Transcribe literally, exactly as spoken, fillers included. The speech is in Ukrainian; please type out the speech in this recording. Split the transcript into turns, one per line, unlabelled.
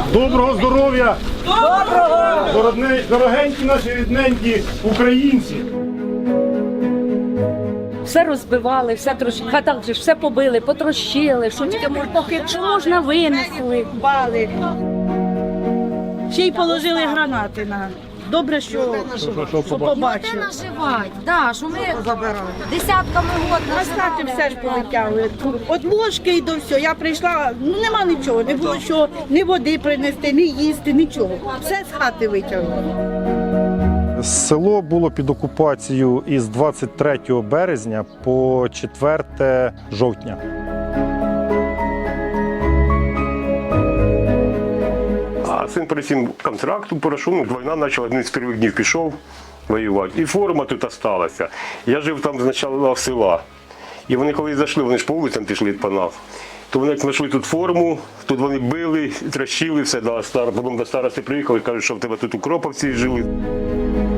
Доброго здоров'я! Доброго! Дорогенькі наші рідненькі українці!
Все розбивали, все трощили, хатах же все побили, потрощили, що тільки можна, що можна винесли.
Бали. Ще й положили гранати на. Добре, що, що побачили.
Наживать, да, що ми десятками год
На хати все ж полетяли. От ложки і до всього. Я прийшла, ну нема нічого, не було що ні води принести, ні їсти, нічого. Все з хати витягнули.
Село було під окупацією із двадцять третього березня по четверте жовтня.
А син перед цим контракту пройшов, війна почала, один з перших днів пішов воювати. І форма тут залишилася. Я жив там спочатку в села. І вони коли зайшли, вони ж по вулицям пішли по нас. То вони як знайшли тут форму, тут вони били, трощили все, до стар... потім до старости приїхали і кажуть, що в тебе тут укроповці жили.